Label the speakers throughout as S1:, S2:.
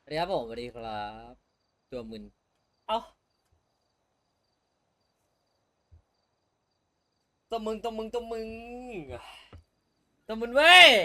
S1: สวัสดีครับผมสวัสดีครับตัวมึนเอ้าตัวมึงตัวมึนเว้ย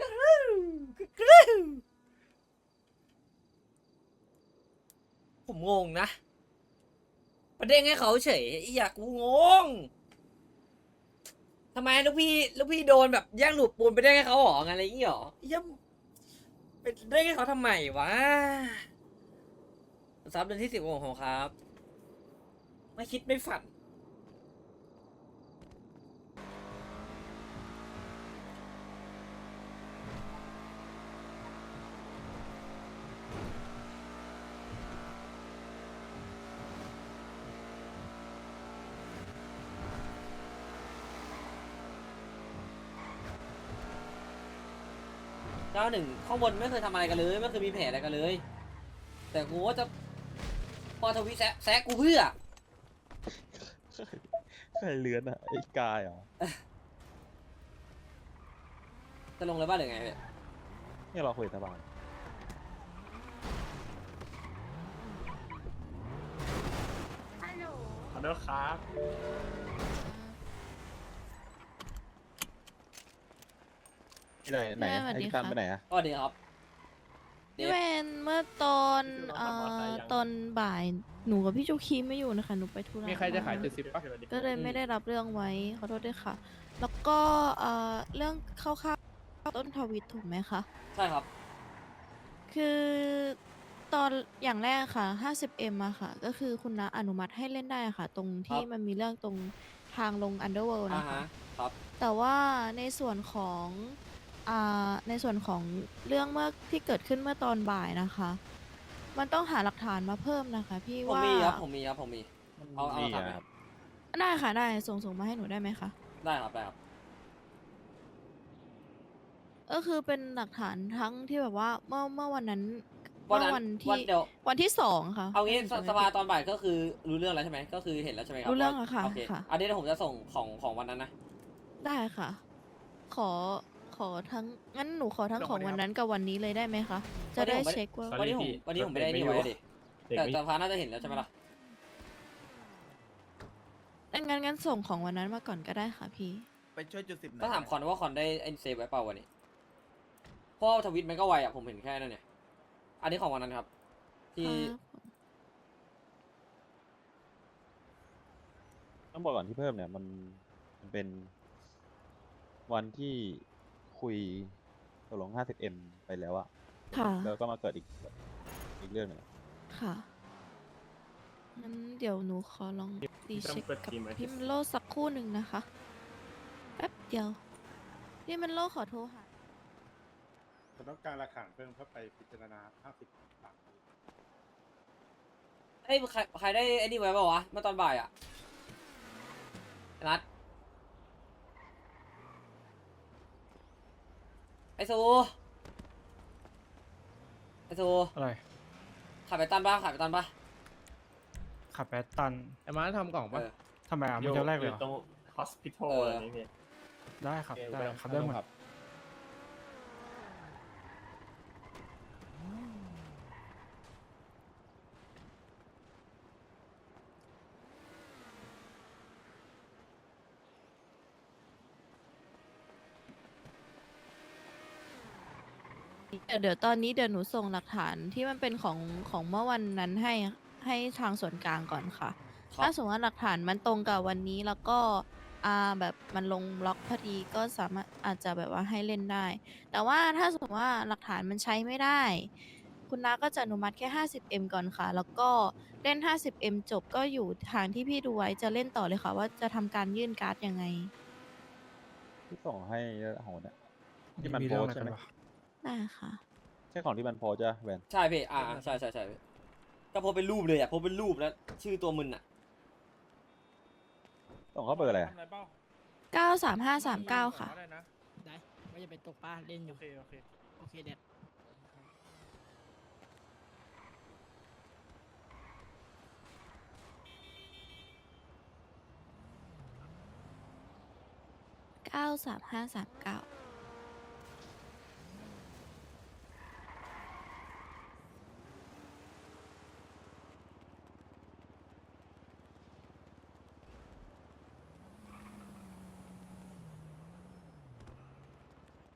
S1: ผมงงนะประเด็นให้เขาเฉยอยากกูงงทำไมลูกพี่โดนแบบแย่งหลูปปูนไปได้ให้เขาหรอไงอะไรอย่างงี้หรอยังเป็นได้ให้เขาทำไมวะซับเดือนที่ 10ของครับไม่คิดไม่ฝัน91ข้างบนไม่เคยทำอะไรกันเลยไม่เคยมีแผลอะไรกันเลยแต่กูว่าจะพอทวีแซะกูเพื่อ
S2: ใครเลื้อนอ่ะไอ้กายเหรอ
S1: จะลงเลยบ้านหรือไงเนี่ย
S2: เนี่ยเราคุยตะบาน
S3: ฮัลโหล
S4: ขอโทษครับ
S2: ที่ไหนไหน
S3: แม่สวัส
S2: ไอ้
S3: ดี
S2: ที่
S3: ค่ะ
S2: ทำไปไหนอ่ะ
S1: ก็ดีครับเดฟ
S3: พี่เวนเมื่อตอนตอนบ่ายหนูกับพี่จูคีไม่อยู่นะคะหนูไปธุระ
S4: มีใครจะขาย
S3: มา
S4: 70ป่ะ
S3: ก็เลยไม่ได้รับเรื่องไว้ขอโทษด้วยค่ะ แล้วก็เรื่องเข้าต้นทวิตถูกไหมคะ
S1: ใช่ครับ
S3: คือตอนอย่างแรกค่ะ 50M อะค่ะ ก็คือคุณน้าอนุมัติให้เล่นได้ค่ะ ตรงที่มันมีเรื่องตรงทางลง Underworld นะคะ
S1: ครับ
S3: แต่ว่าในส่วนของในส่วนของเรื่องเมื่อที่เกิดขึ้นเมื่อตอนบ่ายนะคะ มันต้องหาหลักฐานมาเพิ่มนะคะพี่
S1: ผม
S3: ว่า
S1: มีครับผมมีเอา
S2: นี่
S1: ทำไหม
S2: ครับ
S3: ได้ค่ะได้ส่งมาให้หนูได้ไหมคะ
S1: ได้ครับได้ครับ
S3: ก็คือเป็นหลักฐานทั้งที่แบบว่าเมื่อวันนั้น
S1: วันนั้น
S3: วัน
S1: วัน
S3: ที่
S1: เดียว
S3: วันที่2ค่ะ
S1: เอางี้
S3: ถ้หนูจำไม่
S1: สภา
S3: ผิด
S1: ตอนบ่ายก็คือรู้เรื่องแล้วใช่ไหมก็คือเห็นแล้วใช่ไหมครับ
S3: รู้เรื่อง
S1: ว่า
S3: แล้วค่ะ
S1: โอเค
S3: ค่ะ
S1: อันนี้เดี๋ยวผมจะส่งของวันนั้นนะ
S3: ได้ค่ะ ขอทั้งงั้นหนูขอทั้งของวันนั้นกับวันนี้เลยได้ไหมคะ จะได้เช็คว่า
S1: วันนี้ผมไม่ได้นี่ไว้ดิแต่สภาน่าจะเห็นแล้วใช่ไหมล่ะ
S3: งั้นส่งของวันนั้นมาก่อนก็ได้ค่ะพี่
S5: ไปช่วยจุด10หน่อย
S1: ก็ถามคอนว่าคอนได้ไอ้เซฟไว้เปล่าวันนี้เพราะว่าทวิตมันก็ไวอ่ะผมเห็นแค่นั้นเนี่ยอันนี้ของวันนั้นครับ ที่
S2: ต้องบอกก่อนที่เพิ่มเนี่ยมันเป็นวันที่คุยตกลง 50M ไปแล้วอะ
S3: ค่ะ
S2: แล้วก็มาเกิดอีกเรื่องหนึงอะ
S3: ค่ะ งั้นเดี๋ยวหนูขอลองรีเช็คกับพี่มันโลสักครู่หนึ่งนะคะ แป๊บเดียว พี่มันโลขอโทรหา
S6: ผมต้องการหลักฐานเพิ่มเพื่อไปพิจารณา50ปาก
S1: ไอ้ยใครได้ไอ้นี่ไว้เปล่าวะเมื่อตอนบ่ายอ่ะนัดไอซู
S4: อะไร
S1: ขับไปตันปะขับไปตันปะ
S7: ขับแปดตัน
S4: ไอ้มาทำกล่อง
S1: เอ
S4: ป่ะ
S1: อ
S7: ทำไมอ่ะมันจะแรกเลยเหรอ
S8: ตรง hospital
S1: เอออ
S8: อะไรนี่
S7: ได้ครับได้ครับได้หมด
S3: เดี๋ยวตอนนี้เดี๋ยวหนูส่งหลักฐานที่มันเป็นของเมื่อวันนั้นให้ทางส่วนกลางก่อนค่ะ
S1: ครับ
S3: ถ้าสมมติว่าหลักฐานมันตรงกับวันนี้แล้วก็แบบมันลงบล็อกพอดีก็สามารถอาจจะแบบว่าให้เล่นได้ แต่ว่าถ้าสมมติว่าหลักฐานมันใช้ไม่ได้ คุณน้าก็จะอนุมัติแค่ 50M ก่อนค่ะ แล้วก็เล่น 50M จบก็อยู่ทางที่พี่ดูไว้จะเล่นต่อเลยค่ะ ว่าจะทำการยื่นการ์ดยังไง
S2: ที่ส่งให้ของเนี่ยที่มัน
S7: มี
S2: โพ
S7: เรื่อง
S2: ส
S7: อะไร
S2: ต์ใช่
S7: กัน
S2: ไหม
S7: วะ
S3: ได้ค่ะ
S2: ใช่ของที่มันโพสต์จ้ะแวน
S1: ใช่พี่ใช่พี่ก็โพสเป็นรูปเลยอ่ะโพสเป็นรูปแล้วชื่อตัวมึนอ่ะ
S2: ส่งเข้าเบอร์อะไรอะ
S3: 93539 ค่ะ
S9: ได้ว่าจะไปตกปลาเล่นอยู่ โอเคเด็ด
S3: 93539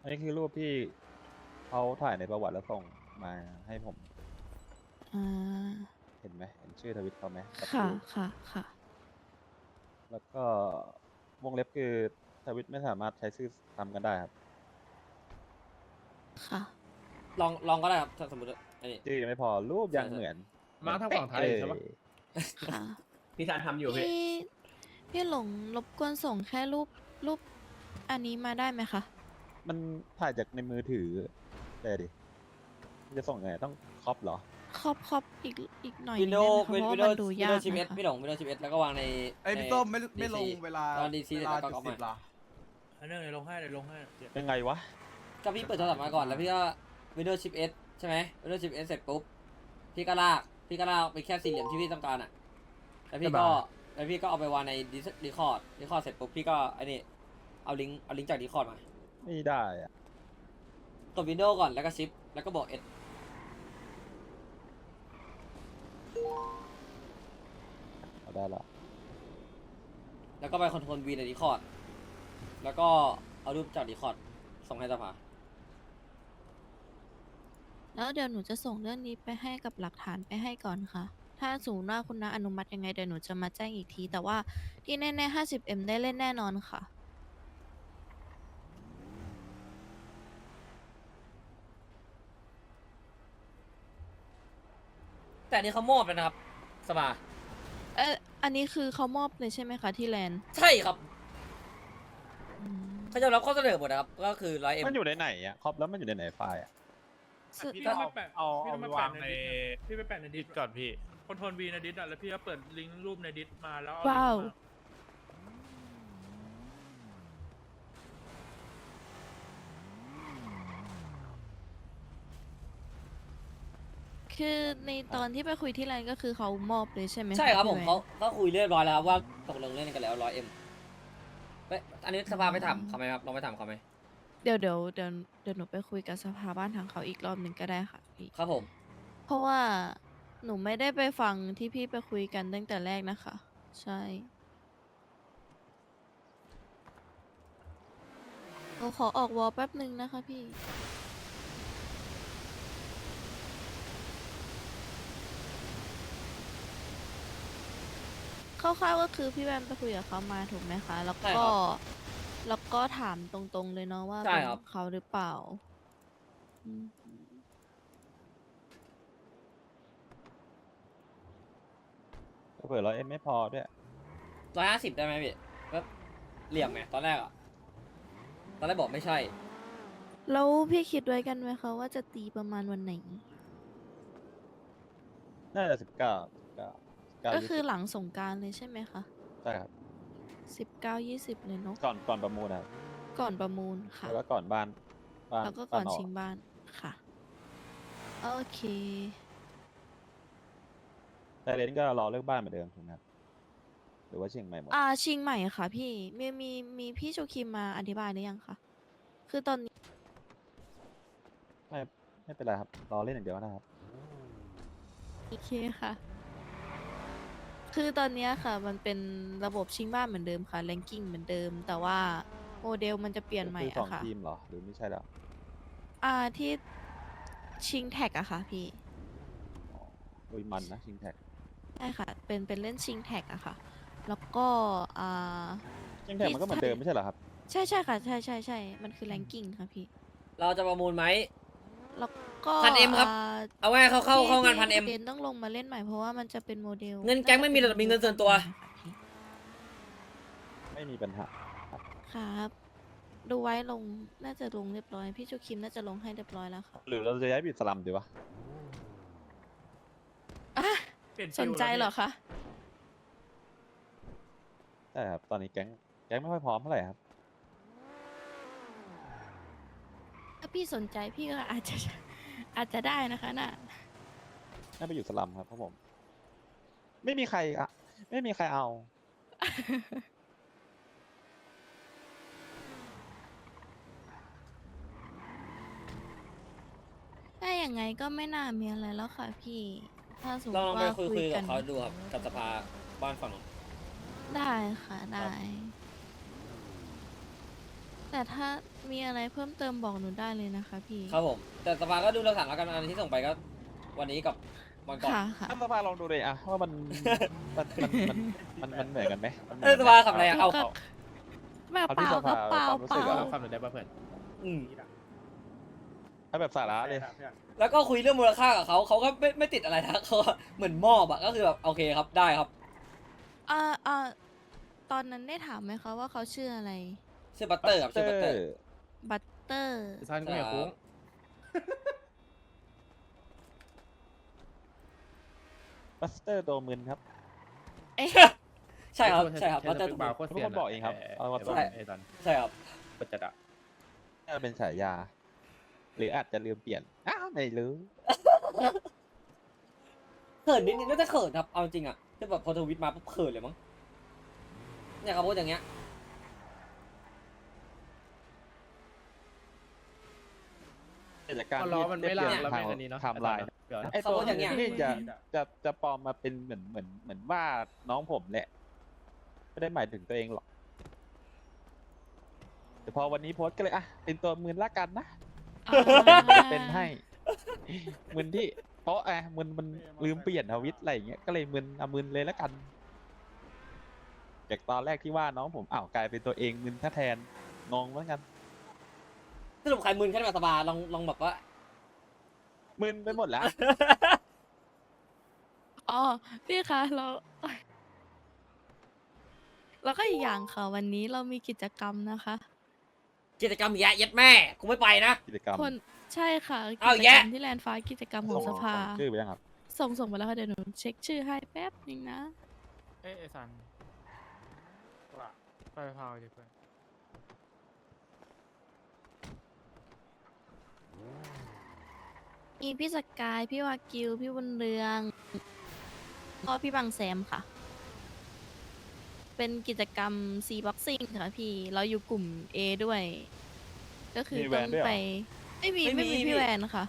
S2: นี่คือรูปที่เขาถ่ายในประวัติแล้วส่งมาให้ผม
S3: อ่า
S2: เห็นไหมเห็นชื่อทวิตเขาไหมกับ
S3: ค่ะ
S2: รูป
S3: ค่ะ ค่ะ
S2: แล้วก็วงเล็บคือทวิตไม่สามารถใช้ชื่อซ้ำกันได้ครับ
S3: ค่ะ
S1: ลองก็ได้ครับถ้าสมมติอันนี้
S2: ชื่อยังไม่พอรูปยังเหมือน
S4: มาทางฝั่งไทยใช่ปะ
S2: เลย
S3: ค่ะ
S5: พี่ซานทำอยู่พี่
S3: พี่หลงรบกวนส่งแค่รูปอันนี้มาได้ไหมคะ
S2: มันถ่ายจากในมือถือแต่ดิจะส่งไงต้องครอปเหรอ
S3: ครอบอีกหน่อย
S1: วิ
S3: นึ
S1: น
S3: ง
S1: โด
S3: ได้
S1: ว์
S3: ไหมคะเพราะ
S1: วิน
S3: ว่า
S1: โด
S3: มัน
S1: ว์
S3: ดู
S1: วิน
S3: ยา
S1: โด
S3: ก
S1: ว์ชิปเอส
S3: นะคะ
S1: พี่หลงวินโดว์ชิปเอสแล้วก็วางใน
S8: ไอยพี่ต้มไม่ลง
S1: DC
S8: เวลา
S1: ตอน DC
S8: เวลา
S1: แล้วก็
S8: จุด
S1: เอา
S8: สิ
S1: มา
S8: บละ
S4: อันนึงเดี๋ยวลงให้เดี๋ยวลงให้เดี๋ยว
S2: ยังไงวะ
S1: ก็พี่เปิดโทรศัพท์มาก่อนแล้วพี่ก็วินโดว์ชิปเอสใช่ไหมวินโดว์ชิปเอสเสร็จปุ๊บพี่ก็ลากไปแค่สี่เหลี่ยมที่พี่ต้องการอ่ะแล้วพี่ก็เอาไปวางในดีคอร์ดเสร็จปุ๊บพี่ก็ไอ้นี่เอาลิงก์จากดีคอร์ดมา
S2: ไม่ได้อะ
S1: กดวินโดว์ก่อนแล้วก็ชิปแล้วก็บอกเอส
S2: เอาได้ละ
S1: แล้วก็ไปคอนโทรลวีในดีคอร์ดแล้วก็เอารูปจากดีคอร์ดส่งให้สภา
S3: แล้วเดี๋ยวหนูจะส่งเรื่องนี้ไปให้กับหลักฐานไปให้ก่อนค่ะ ถ้าสมมติว่าคุณน้าอนุมัติยังไงเดี๋ยวหนูจะมาแจ้งอีกที แต่ว่าที่แน่ๆ 50M ได้เล่นแน่นอนค่ะ
S1: แต่อันนี้เขามอบแล้วนะครับสภา
S3: อันนี้คือเขามอบเลยใช่ไหมคะที่แลนด์
S1: ใช่ครับ
S3: อืม
S1: เขาจะรับข้อเสนอหมดนะครับก็คือ100M
S2: มันอยู่ในไหนอ่ะครอปแล้วมันอยู่ในไหนไฟล์อ่ะ
S3: ซึ่ง
S4: พี่ต้องไปแปะ
S7: เอา
S4: พี่ต้องไป
S7: วา
S4: แปะ
S7: ง
S4: ใน
S7: ใน
S4: ดิสพี่ไปแปะในดิ
S7: ดิ
S4: ส
S7: สก่อนพี่
S4: คอนโทรลวีในดิสอ่ะแล้วพี่ก็เปิดลิงก์รูปในดิสมาแล้วเอ
S3: ว้าว
S4: ลิงก์มา
S3: คือในตอนที่ไปคุยที่แลนด์ก็คือเขามอบเลยใช่ไหมะ
S1: ใช่ครับผม
S3: พี่แวน
S1: เขาคุยเรียบร้อยแล้วครับว่าตกลงเล่นกันแล้ว100M เอ้ยอันนี้สภาไปถามเขาไหมครับลองไปถามเขาไหม
S3: เดี๋ยวหนูไปคุยกับสภาบ้านทางเขาอีกรอบหนึ่งก็ได้ค่ะพี่
S1: ครับผม
S3: เพราะว่าหนูไม่ได้ไปฟังที่พี่ไปคุยกันตั้งแต่แรกนะคะ ใช่หนูขอออกวอลแป๊บหนึ่งนะคะพี่ คร่าวๆก็คือพี่แบมไปคุยกับเขามาถูกไหมคะ แล้ว
S1: ใช่
S3: ก็
S1: ครับ
S3: แล้วก็ถามตรงๆเลยเนาะว่า
S1: ใช่
S3: เป็น
S1: ครับ
S3: เขาหรือเปล่าอืม
S2: เผื่อ100Mไม่พอด้วย
S1: 150ได้ไหมพี่ก็เหลี่ยมไงตอนแรกบอกไม่ใช่
S3: แล้วพี่คิดไว้กันไหมคะว่าจะตีประมาณวันไหน
S2: น่าจะ19
S3: ก็
S2: 20
S3: คือหลังสงกรารเลยใช่ไหมคะ
S2: ใช่ครับ
S3: 19-20 เลยเนาะ
S2: ก่อนประมูลนะครับ
S3: ก่อนประมูลค่ะ
S2: แล้วก็ก่อนบ้าน
S3: แล้วก็ก่อน
S2: บ้า
S3: ชิงบ้านค่ะ โอเค
S2: แต่เลนก็รอเลือกบ้านเหมือนเดิมถูกไหมครับหรือว่าเชียงใหม่หมด
S3: ชิงใหม่ค่ะพี่มีพี่โชคิมมาอธิบายหรือยังคะคือตอนนี้
S2: ไม่เป็นไรครับรอเล่นอย่างเดียวนะครับ
S3: โอเคค่ะ คือตอนเนี้ยค่ะ มันเป็นระบบชิงบ้านเหมือนเดิมค่ะแรงกิ้งเหมือนเดิม แต่ว่าโมเดลมันจะเปลี่ยนใหม่
S2: คือสอง
S3: อะค่ะ
S2: ทีมเหรอหรือไม่ใช่เหรอ
S3: ที่ชิงแท็กอะค่ะพี่
S2: อุยมันนะชิงแท็ก
S3: ใช่ค่ะ เป็นเล่นชิงแท็กอะค่ะ แล้วก็
S2: ชิงแท็กมันก็เหมือนเดิมไม่ใช่เหรอครับ
S3: ใช่ค่ะ ใช่ มันคือแรงกิ้งค่ะพี่
S1: เราจะประมูลไหม
S3: แล้วก็
S1: 1,000M ครับ เอาไว้เข้างาน 1,000M
S3: เดนต้องลงมาเล่นใหม่เพราะว่ามันจะเป็นโมเดล
S1: เงินแก๊งไม่มีแต่มีเงินส่วนตัว
S2: ไม่มีปัญหา
S3: ครับ ดูไว้ลงน่าจะลงเรียบร้อย พี่จูคิมน่าจะลงให้เรียบร้อยแล้วค่ะ
S2: หรือเราจะย้ายไปอยู่สลัมดีวะ
S3: อ่ะ
S4: เปลี่ยน
S3: ส
S4: ฟิ
S3: น
S4: ล
S3: ใจ
S4: แล้ว
S3: เหรอคะ
S2: ใช่ครับตอนนี้แก๊งไม่ค่อยพร้อมเท่าไหร่ครับ
S3: ถ้าพี่สนใจพี่ก็อาจจะได้นะคะน่ะ
S2: น่าไปอยู่สลัมครับเพราะผม ไม่มีใครอะไม่มีใครเอา
S3: ถ้าอย่างไงก็ไม่น่ามีอะไรแล้วค่ะพี่ ถ้าสมม
S1: ลอง
S3: ติ
S1: ไป
S3: ว่า
S1: คุย
S3: คุย
S1: กั
S3: กับ น
S1: เขาดูครับกับสภาบ้านฝั่งนู้น
S3: ได้ค่ะได้แต่ถ้ามีอะไรเพิ่มเติมบอกหนูได้เลยนะคะพี่
S1: ครับผม แต่สภาก็ดูหลักฐานแล้วกันอันที่ส่งไปก็วันนี้กับวันก่อน
S3: ค่ะค่ะ
S2: ท่านสภาลองดูเลยอะว่ามันเหมือนกันไหมมันหมื
S1: เอ
S2: อน
S1: อ
S2: กัน
S1: ส
S2: ไหม
S1: ภาขับอะไรอะเอา
S3: แบบ
S2: เอา
S3: เป
S2: ที่
S3: ล่า
S2: ส
S3: ก็
S2: ภา
S3: เปล่า
S2: ความรู้
S3: เป
S2: สึก
S3: ล่า
S2: อะ
S7: ฟังหน่อยได้ป่ะเพื่อน
S1: อืม
S2: เอาแบบสาระเลย
S6: เพื่อน
S1: แล้วก็คุยเรื่องมูลค่ากับเขาก็ไม่ติดอะไรนะเขาก็เหมือนมอบอะก็คือแบบโอเคครับได้ครับ
S3: อ่าตอนนั้นได้ถามไหมคะว่าเขาชื่ออะไร
S1: ชื่อบัตเตอร์ครับชื่อบัตเตอร์
S3: บัตเตอร์
S7: ซันก็ไม่คุ้ง
S2: บัสเตอร์ตัวมึนครับ
S3: เอ๊ะ
S1: ใช่ครับใช่ครับบัตเตอร์
S7: บาร์โคตรเสียน
S2: ทุกคนบอกเองครับเอาว่า
S1: ใช่
S7: ไอ้ซัน
S1: ใช่ครับ
S7: ปัจจัดอะ
S2: น่าจะเป็นฉายา หรืออาจจะลืมเปลี่ยนอ้าวไม่รู้
S1: เขินนิดนึงน่าจะเขินครับเอาจริงอะที่แบบพอทวิตมาปุ๊บเขินเลยมั้งเนี่ยเขาพูดอย่างเงี้ย
S2: กิจการ
S7: ก็ล้อมันไม่ลากแล้ว
S2: ทา
S7: แม่
S2: ง
S7: งอันนี้เนาะ
S2: ไทม์ไลน์
S7: เดี๋ยว
S2: ไอ้ตัวนี้จะปลอมมาเป็นเหมือนว่าน้องผมแหละ ไม่ได้หมายถึงตัวเองหรอก แต่พอวันนี้โพสต์ก็เลยอ่ะเป็นตัวมึนละกันนะ เป็นให้ มึนที่ เพราะมันลืมเปลี่ยนทวิตอะไรอย่างเงี้ยก็เลยมึนเอามึนเลยละกัน จากตอนแรกที่ว่าน้องผมอ้าวกลายเป็นตัวเองมึนแทนงงเหมือนกัน
S1: สรุปใครมึนแค่แบบสบายลองแบบว่า
S2: มึนไปหมดแล้ว
S3: อ๋อพี่คะแล้วก็อีกอย่างค่ะวันนี้เรามีกิจกรรมนะคะ
S1: กิจกรรมแยะยัดแม่กูไม่ไปนะ
S2: กิจกรรม
S3: คนใช่ค่ะ
S1: เอา
S3: กิจ
S1: แยะ
S3: กรรมที่แลนด์ฟ้ากิจกรรมของสภา
S2: ส่งชื่อไปยังครับ
S3: ส่งไปแล้วค่ะเดี๋ยวหนูเช็คชื่อให้แป๊บนึงนะ
S7: เอ้ยไอ้ซัน
S6: ว่า
S7: ไปพาวดิเพื่อน
S3: มีพี่สกาย พี่วากิว พี่บุญเรืองก็พี่บังแซมค่ะ เป็นกิจกรรม C boxing ค่ะพี่ เราอยู่กลุ่ม A ด้วย ก็คือ
S2: มีแว
S3: ต้อน ง
S2: ด้วยเหรอ
S3: ไปไม่มี
S1: ไม่มี
S3: พี่แวนค่ะ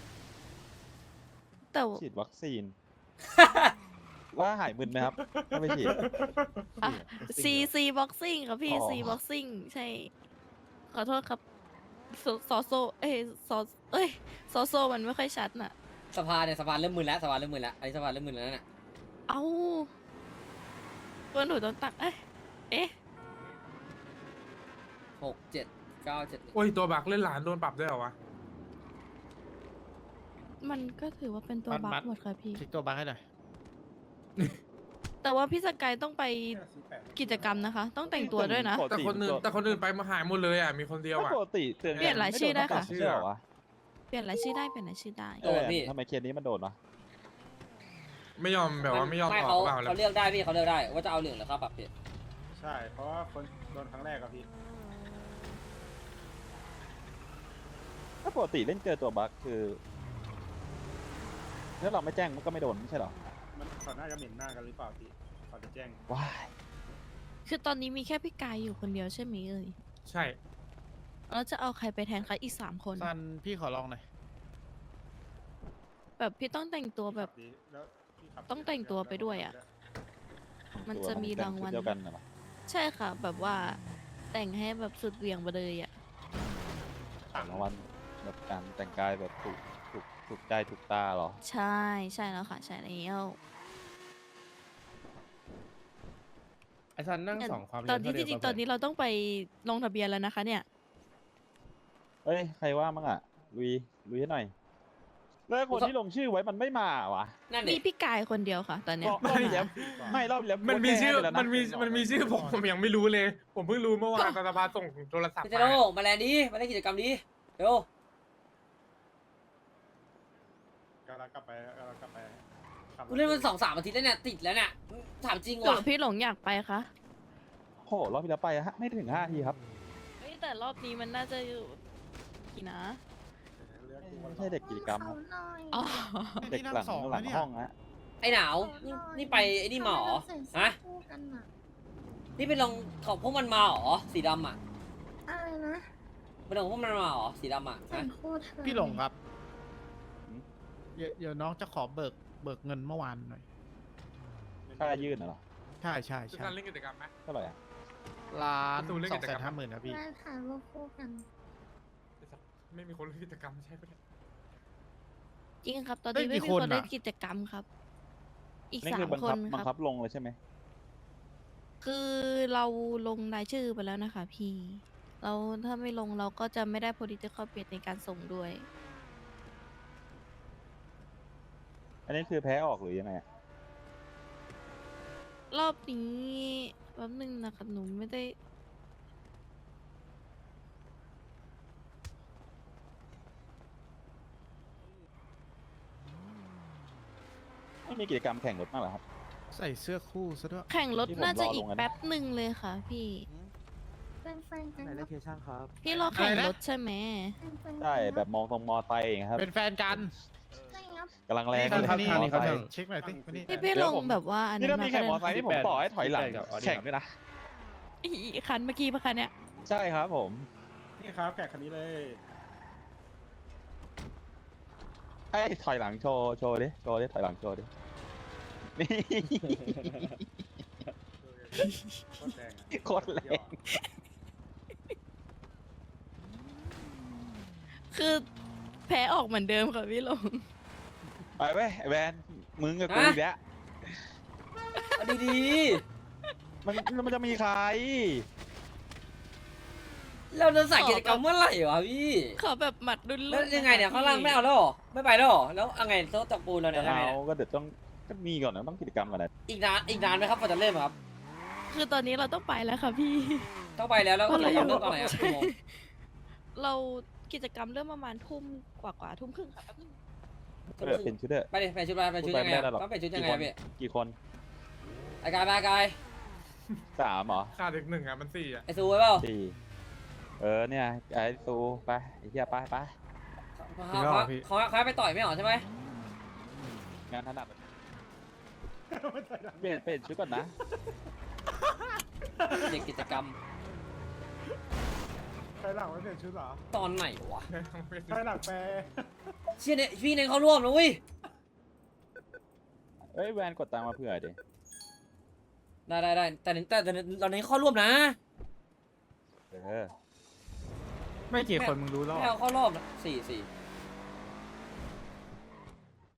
S3: แต่
S2: ฉีดวัคซีน ว่าหายมึนไหมครับถ้าไม่ฉีด
S3: อ่ะ C boxing ค่ะพี่
S2: อ๋อ
S3: C boxing ใช่ ขอโทษครับซอโซซอโซมันไม่ค่อยชัดน่ะ
S1: สภาเนี่ยสภาเริ่มมึนแล้วสภาเริ่มมึนแล้วอันนี้สภาเริ่มมึนแล้วน่ะ
S3: เอ้าตัวหนูโดนตักเอ๊ะ
S1: 6 7 9 7
S4: โอ้ยตัวบักเล่นหลานโดนปรับด้วยเหรอวะ
S3: มันก็ถือว่าเป็นตัวบัคหมดค่ะพี่
S7: คลิกตัวบัคให้หน่อย
S3: แต่ว่าพี่สกายต้องไป
S6: 48
S3: กิจกรรมนะคะ ต้องแต่งตัวด้วยนะ
S2: ปก
S4: แต่คนอื่นไปมาหายหมดเลยอ่ะมีคนเดียวอ่ะ
S2: ปกติเตือน
S3: เปลี่ยนรายชื่อได้ค่ะ
S2: ไม่โนตั้งแต่ชื่อเหรอวะ
S3: เปลี่ยนรายชื่อได้เปลี่ยนรายชื่อได้
S1: โดนพี่
S2: ทำไมเคสนี้มันโดนวะ
S4: ไม่ยอมแบบว่าไม่ยอม
S1: ไม่
S4: อ
S1: เขา
S4: อกเปล่าแล้ว
S1: เขาเลือกได้พี่เขาเลือกได้ว่าจะเอาเหลืองหรือข้าวปรับพี่
S6: ใช่ เพราะว่าคนโดนครั้งแรกอะพี่
S2: ถ้าปกติเล่นเจอตัวบั๊กคือถ้าเราไม่แจ้งมันก็ไม่โดนไม่ใช่เหรอ
S6: มันเขาน่าจะเหม็นหน้ากันหรือเปล่าพี่เขาจะแจ้ง
S2: ว้าย
S3: คือตอนนี้มีแค่พี่กายอยู่คนเดียวใช่ไหมเอ่ย
S4: ใช่
S3: แล้วจะเอาใครไปแทนคะอีก3 คน
S7: ซันพี่ขอลองหน่อย
S3: แบบพี่ต้องแต่งตัวแบบ
S6: ดีแล้วพี่ขับ
S3: ต้องแต่งตัวไปด้วยอะ มันจะมีรางวัล
S2: เดียวกันเหรอ
S3: ใช่ค่ะ แบบว่าแต่งให้แบบสุดเหวี่ยงไปเลยอ่ะ
S2: รางวัลแบบการแต่งกายแบบถูกใจถูกตาเหรอ
S3: ใช่ใช่แล้วค่ะ ใช่แล้ว
S7: ไอ้ซันนั่ง
S3: เนี่ย
S7: สองความ
S3: ตอนนี้
S7: เร็ว
S3: จริงๆ
S7: เท่า
S3: ตอนนี้เราต้องไปลงทะเบียนแล้วนะคะ เนี่ย
S2: เอ้ยใครว่ามั่งอ่ะลุยให้หน่อยแล้วคนที่ลงชื่อไว้มันไม่มาวะ
S1: นั่น
S3: มี
S1: ดิ
S3: พี่กายคนเดียวค่ะ ตอนเนี้ย
S2: รอบที่แล้วไม่รอบที่แล้ว
S4: มันมีชื่อ
S2: โพสต์แจ้งไปแล้วะ
S4: มันมีชื่อผมยังไม่รู้เลย ผมเพิ่งรู้เมื่อวานตอนสภาส่งโทรศัพท์
S1: พี่เจ
S4: มา
S1: โร่มาแลนด์ดีมาเล่นกิจกรรมดีเร็ว
S6: กำลังกลับไปขับรถ
S1: กูเล่นมัน2-3 อาทิตย์แล้วเนี่ยติดแล้วเนี่ยถามจริง
S3: หรือ
S1: ว่ะ
S3: พี่หลงอยากไปคะ
S2: โอ้โหรอบที่แล้วไปฮะไม่ถึง5 ทีครับ
S3: เฮ้ยแต่รอบนี้มันน่าจะอยู่กี่นะ
S6: เลือกกู
S2: ไม่ใช่เด็กกิจกรรมครับ
S3: อ๋อ
S2: เด็กหลังห้องฮะ
S1: ไอ้หนาวนี่ไปไอ้นี่มาเหรอฮะนี่ไปลงของพวกมันมาเหรอสีดำอ่ะ
S5: อะไรนะ
S1: ไปลงของพวกมันมาเหรอสีดำอ่ะ
S5: แต่
S1: ฮะ
S5: งคู่ทำไม
S7: พี่หลงครับ เดี๋ยวน้องจะขอเบิกเงินเมื่อวานหน่อย
S2: ค่ายื่นน่ะเหรอ
S7: ใช่ใช่
S4: คือ
S7: ใช่
S4: การเล่นกิจกรรมไหม
S2: เท่าไหร่อ่ะ
S7: ล้าน
S4: ประตูเล่น
S7: ส
S4: กิ
S7: อง
S4: จ
S7: แส
S4: กรร
S7: น
S4: ม
S7: 50,000ครับพี่
S5: มาถ่ายรูปคู่กัน
S4: ไม่มีคนเล่นกิจกรรมใช่ไหม
S3: จริงครับ ตอน
S7: เฮ้
S3: นี้
S7: ย
S3: ไม่
S7: กี่
S3: มี
S7: คน
S3: คนเล่น
S7: อะ
S3: กิจกรรมครับ อีก
S2: นี่
S3: สา
S2: คือ
S3: ม
S2: บัง
S3: ค
S2: คับ
S3: น
S2: บัง
S3: ค
S2: คั
S3: รั
S2: บบ ลงเลยใช่ไหม
S3: คือเราลงรายชื่อไปแล้วนะคะพี่ เราถ้าไม่ลงเราก็จะไม่ได้ political bet ในการส่งด้วย
S2: อันนี้คือแพ้ออกหรือยังไงอะ
S3: รอบนี้แป๊บนึงนะครับหนูไม่ได้
S2: ไม่มีกิจกรรมแข่งรถมากเหรอครับ
S7: ใส่เสื้อคู่ซะด้วย
S3: แข่งรถ
S2: ที่ผม
S3: น่าจะ
S2: รอลง
S3: อีก
S2: อะนะ
S3: แป๊บหนึ่งเลยค่ะพี่
S5: เป็นแฟนกัน
S8: ไหน
S5: ค
S8: เล
S5: รับ
S8: เคชั่นครับ
S3: พี่รอแข่ง
S7: อะไรนะ
S3: รถใช่ไหม
S5: เป็นแฟนกัน
S2: ใช่แบบมองตรงมอไซค์อย่างเงี้ยครับ
S7: เป็นแฟนกัน
S5: ใช่ครับ
S2: กำลังแรง
S7: นี่
S2: เลย
S7: ครับ
S2: ม
S7: นี่
S2: อ
S7: นี่
S2: ไซค์
S7: เช็คหน่อยสิมานี่
S3: พี่พี่ลงแบบว่าอัน
S2: นี่
S3: นั้น
S2: ถ้ามี
S3: มา
S2: แข่งมอ
S3: ก็
S2: ไซ
S3: ได้
S2: ค์นี่ผมต่อให้ถอยหลัง
S8: 18กับ Audi
S2: แข่งด้วยนะ
S3: อีกคันเมื่อกี้ปะคะเนี่ย
S2: ใช่ครับผม
S6: นี่ครับแขกคันนี้เลย
S2: ไอ้ยถอยหลังโชว์ดิถอยหลังโชว์ดินี่
S6: โคตรแรงอะ
S2: โคตรแรง
S3: คือแพ้ออกเหมือนเดิมค่ะพี่ลง
S2: ไปเว้ยไอ้แวนมึงกับกู
S1: ฮะ
S2: อีกแล้ว
S1: เอาดี
S2: มันจะมีใคร
S1: ๆเราจะใส่กิจกรรมเมื่อไหร่วะพี่
S3: ขอแบบหมัดดุน
S1: แล้วยังไงเนี่ยข้างล่างไม่เอาแล้วเหรอไม่ไปแล้วเหรอแล้วยังไงโต๊ะจับปูนเรา
S2: จะ
S1: เนี่ยยังไง
S2: เอา
S1: เนี่ย
S2: ก็เดี๋ยวต้องก็มีก่อนนะต้องกิจกรรมก่อนนะ
S1: อีกนานไหมครับกว่าจะเริ่มครับ
S3: คือตอนนี้เราต้องไปแล้วค่ะพี่
S1: ต้องไปแล้วแล้วก็
S3: เพราะ
S1: เรา
S3: เรา
S1: เริ่มตอนไหนครับ
S3: ใช่
S1: กี่โมง
S3: เรากิจกรรมเริ่มประมาณทุ่มกว่าทุ่มครึ่งค่ะแป๊บนึง
S2: เออเป็นชุดเด้อ
S1: ไปดิไปชุดไปชุดยังไงอะต้องไปชุดยังไงอะพี่
S2: กี่คน
S1: ไอกาย
S2: สามเหรอ
S4: ขาดอีกหนึ่งอ่ะมันสี่อ่ะ
S1: ไอซูไว้เปล่า
S2: สี่เนี่ยไอ้ตูไปไอ้เหี้ยไป
S1: เขาให้ไปต่อยไม่เหรอใช่ไหม
S2: งานถนัดเปลี่ยนชุดก่อนนะ
S1: เด็กกิจกรรม
S6: ใครหลังไม่เปลี่ยนชุดเหรอ
S1: ตอนไหนวะ
S6: ใครหลังแปร
S1: เชี่ยเนี่ยพี่เน้นเขาร่วมนะเว้ย
S2: เอ้ยแวนกดตังค์มาเผื่อดิ
S1: ได้แต่เราเน้นเข้าร่วมนะ
S2: เออ
S7: ไม่กี่คนมึงรู้แล้ว
S1: ไม่เอาเข้ารอบนะ4